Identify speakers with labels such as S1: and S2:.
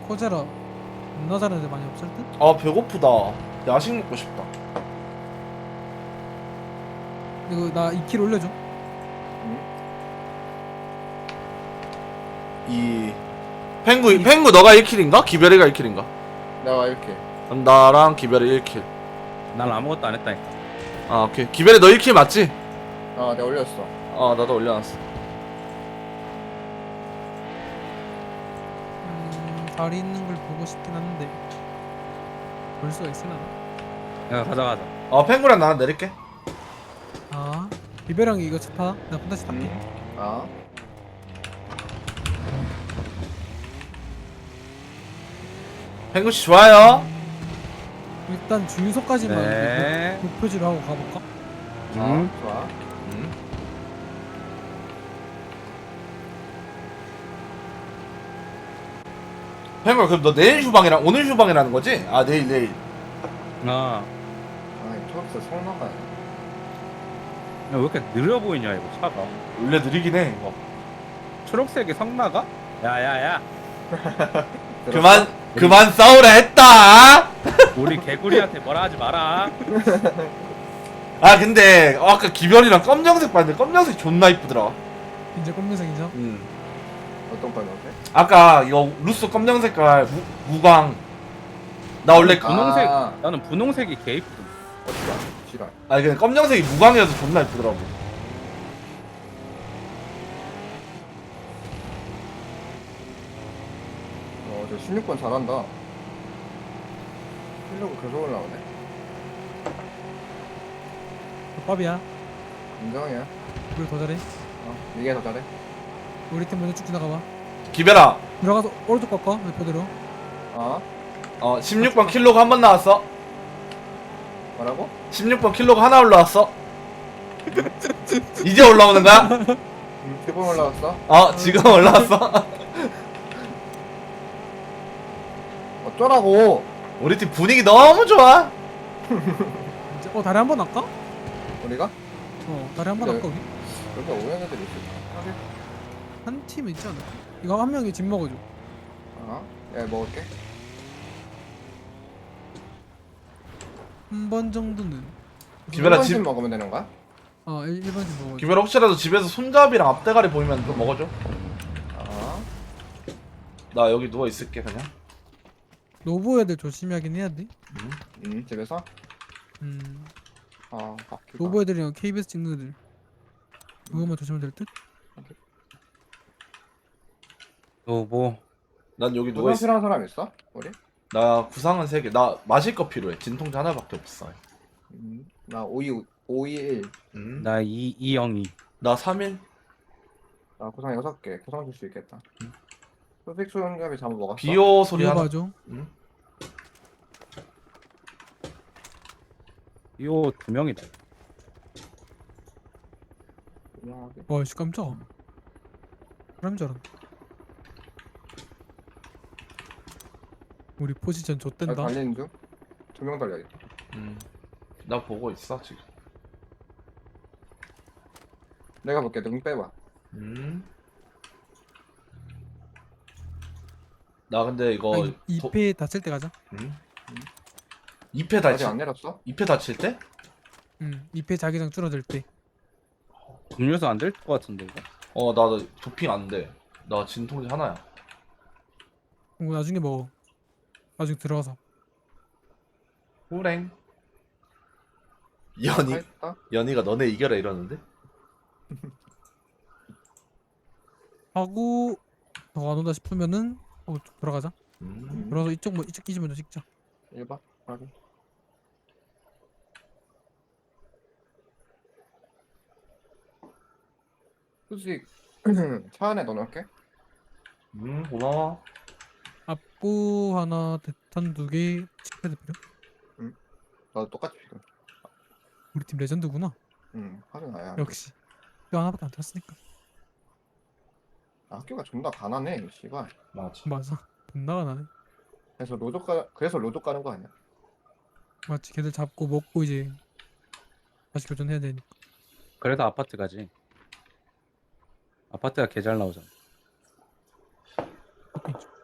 S1: 코제라 존나 잘하는 데 많이 없을 듯?
S2: 아 배고프다. 야식 먹고 싶다.
S1: 이거 나 2킬 올려줘.
S2: 이 펭구 너가 1킬인가? 기별이가 1킬인가?
S3: 내가 이렇게.
S2: 나랑 기별이 1킬.
S4: 난 아무것도 안 했다니까.
S2: 아 오케이. 기별이 너 1킬 맞지?
S3: 내가 올렸어.
S2: 아 나도 올려놨어.
S1: 다리 있는 걸 보고 싶긴 한데 볼 수가 있으나?
S4: 야 가자.
S2: 아 펭구랑 나는 내릴게.
S1: 아 비벼랑 이거 차 타? 나 혼자씩 탈게.
S2: 펭구 씨 좋아요.
S1: 일단 주유소까지만
S4: 네.
S1: 목표지로 하고 가볼까?
S3: 좋아.
S2: 펭구야 그럼 너 내일 휴방이랑 오늘 휴방이라는 거지? 아 내일.
S4: 아,
S3: 이 초록색 성나가.
S4: 야, 왜 이렇게 느려 보이냐 이거 차가.
S2: 원래 느리긴 해 이거.
S4: 초록색이 성나가? 야야야.
S2: 그만 싸우라 했다.
S4: 우리 개구리한테 뭐라 하지 마라.
S2: 아 근데 아까 기별이랑 검정색 봤는데 검정색 존나 이쁘더라.
S1: 이제 검정색이죠?
S3: 어떤 거 넣었대?
S2: 아까 이거 루스 검정 색깔 무광. 나 원래
S4: 분홍색.
S3: 아.
S4: 나는 분홍색이 개 이쁘던데.
S3: 어디가? 지랄.
S2: 아니 근데 검정색이 무광이어서 존나 이쁘더라고.
S3: 저 16번 잘한다. 실력이 계속 올라오네.
S1: 밥이야.
S3: 인정이야.
S1: 우리 더 잘해.
S3: 이게 더 잘해.
S1: 우리 팀 먼저 쭉 지나가봐.
S2: 기별아
S1: 들어가서 오른쪽 꺾어. 레포대로.
S2: 16번 킬로가 한 번 나왔어.
S3: 뭐라고?
S2: 16번 킬로가 하나 올라왔어. 이제 올라오는 거야?
S3: 3번 올라왔어?
S2: 지금 올라왔어.
S3: 어쩌라고?
S2: 우리 팀 분위기 너무 좋아.
S1: 이제 다리 한 번 할까?
S3: 우리가?
S1: 다리 한 번
S3: 네.
S1: 할까 우리?
S3: 여기 오는 애들이 있을까?
S1: 한 팀 있지 않을까? 이거 한 명이 집 먹어줘.
S3: 야, 먹을게.
S1: 한 번 정도는.
S2: 기별아,
S3: 1번씩 먹으면 되는 거야?
S1: 1번 집 먹어줘.
S2: 기별아 혹시라도 집에서 손잡이랑 앞대가리 보이면 그거 먹어줘. 나 여기 누워 있을게 그냥.
S1: 노부 애들 조심하긴 해야 돼.
S3: 집에서? 바퀴가.
S1: 노부 애들이랑 KBS 찍는 애들. 그것만 조심하면 될 듯?
S4: 뭐
S2: 난 여기 누워
S3: 누가
S2: 있어.
S3: 필요한 사람 있어? 우리?
S2: 나 구상은 3개. 나 마실 거 필요해. 진통제 하나밖에 없어.
S3: 나 521.
S4: 나 202.
S2: 나 3일.
S3: 나 구상 6개. 구상 줄 수 있겠다. 소식 수영잡이 잠을 먹었어?
S2: 비오 소리 하나.
S1: 봐줘.
S4: 이거 2명이다.
S3: 유명하게.
S1: 와씨 깜짝아. 사람인 줄 알았네. 우리 포지션
S3: 나
S1: 좆된다.
S3: 달리는 중? 2명 달려야겠다.
S2: 나 보고 있어 지금.
S3: 내가 볼게. 능 빼봐.
S2: 나 근데 이거
S1: 2패 다칠 때 가자.
S2: 2패
S3: 아직
S2: 다치.
S3: 안 내렸어?
S2: 2패 다칠 때?
S1: 2패 자기장 줄어들 때.
S4: 음료수 안 될 것 같은데 이거.
S2: 나 도핑 안 돼. 나 진통제 하나야.
S1: 그거 나중에 먹어. 나중에 들어가서.
S2: 호랭.
S3: 다
S2: 연이
S3: 했다?
S2: 연이가 너네 이겨라 이러는데?
S1: 하고 더 안 온다 싶으면은 들어가자.
S2: 음.
S1: 들어가서 이쪽 기지 먼저 찍자.
S3: 1번? 확인. 수직 차 안에 넣어놓을게.
S2: 고마워.
S1: 앞부 하나, 대탄 2개, 칙패드 필요?
S3: 나도 똑같이 필요.
S1: 우리 팀 레전드구나.
S3: 하긴 나야.
S1: 역시. 뼈 하나밖에 안 들었으니까.
S3: 학교가 존나 가난해. 씨발.
S2: 맞아.
S1: 맞아. 존나가 나네.
S3: 그래서 로족 가는 거 아니야?
S1: 맞지. 걔들 잡고 먹고 이제 다시 교전해야 되니까.
S4: 그래서 아파트 가지. 아파트가 개 잘 나오잖아.